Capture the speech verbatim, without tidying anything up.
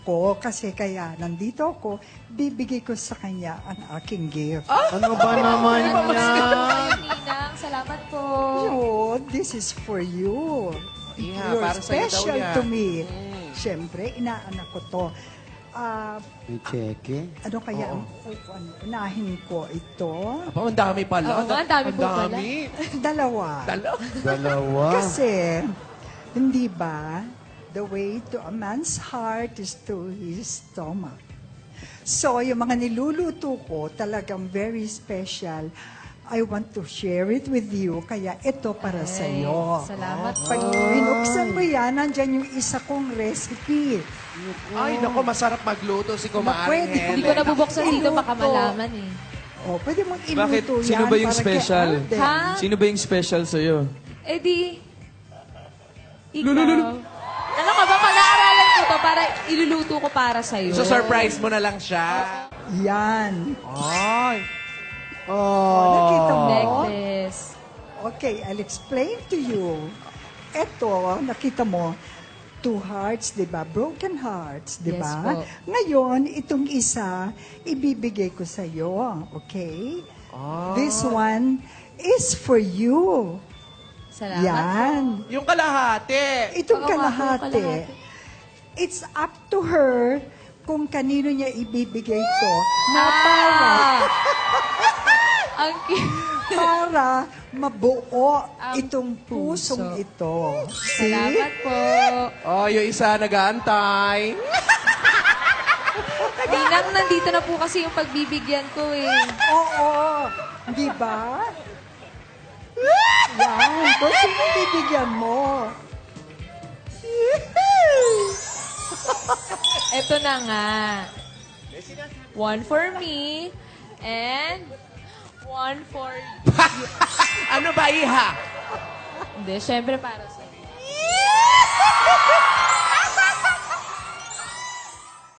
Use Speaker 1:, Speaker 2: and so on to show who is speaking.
Speaker 1: ko kasi kaya nandito ako, bibigay ko sa kanya ang aking gift.
Speaker 2: Ano ba naman yan?
Speaker 3: Ninang, salamat po.
Speaker 1: Oh, this is for you.
Speaker 4: Yeah,
Speaker 1: You're
Speaker 4: para sa'yo daw
Speaker 1: special
Speaker 4: yan.
Speaker 1: to me. Siyempre, inaanak ko to. Ah,
Speaker 2: May cheque?
Speaker 1: ano kaya ang ano, unahin ko ito?
Speaker 4: Aba, ang dami pala.
Speaker 3: Oo nga, ang dami po pala.
Speaker 1: Dalawa.
Speaker 4: Dalawa.
Speaker 2: Dalawa.
Speaker 1: Kasi, hindi ba, the way to a man's heart is through his stomach. So, yung mga niluluto ko, talagang very special. I want to share it with you, kaya ito para sa iyo.
Speaker 3: Salamat po.
Speaker 1: Pag binuksan mo yan, nandyan yung isa kong recipe.
Speaker 4: Ay, naku, masarap magluto si Kumaring
Speaker 1: Pwede.
Speaker 4: Helen.
Speaker 3: Hindi ko nabubuksan dito, baka
Speaker 1: Iluto.
Speaker 3: malaman eh.
Speaker 1: O, pwede mong iluto
Speaker 5: Bakit?
Speaker 1: yan.
Speaker 5: Sino ba yung
Speaker 1: para kay
Speaker 5: special?
Speaker 1: Alden.
Speaker 3: Ha?
Speaker 5: Sino ba yung special sa'yo?
Speaker 3: Eh di, ikaw. Ano ka ba? Pag-aaralan ko to para iluluto ko para sa'yo.
Speaker 4: So, surprise mo na lang siya.
Speaker 1: Yan.
Speaker 4: Ay.
Speaker 1: Oh, nakita mo?
Speaker 3: Necklace.
Speaker 1: Okay, I'll explain to you. Ito, nakita mo, two hearts, di ba? Broken hearts, di
Speaker 3: Yes
Speaker 1: ba?
Speaker 3: po.
Speaker 1: Ngayon, itong isa, ibibigay ko sa iyo, okay? This one is for you.
Speaker 3: Salamat
Speaker 1: Yan.
Speaker 4: Yung kalahati.
Speaker 1: Itong
Speaker 3: Oo nga po,
Speaker 1: kalahati.
Speaker 3: kalahati.
Speaker 1: It's up to her kung kanino niya ibibigay to na
Speaker 3: Ah!
Speaker 1: para,
Speaker 3: Ang cute.
Speaker 1: para mabuo
Speaker 3: Ang
Speaker 1: itong pusong
Speaker 3: puso.
Speaker 1: ito. See?
Speaker 3: Salamat po.
Speaker 4: Oh, yung isa nag-aantay.
Speaker 3: Ninang, nandito na po kasi yung pagbibigyan ko eh.
Speaker 1: Oo. Di ba? Yan. Kung sino bibigyan mo?
Speaker 3: Ito na nga. One for me and one for you.
Speaker 4: Ano ba, iha?
Speaker 3: Hindi, syempre para sa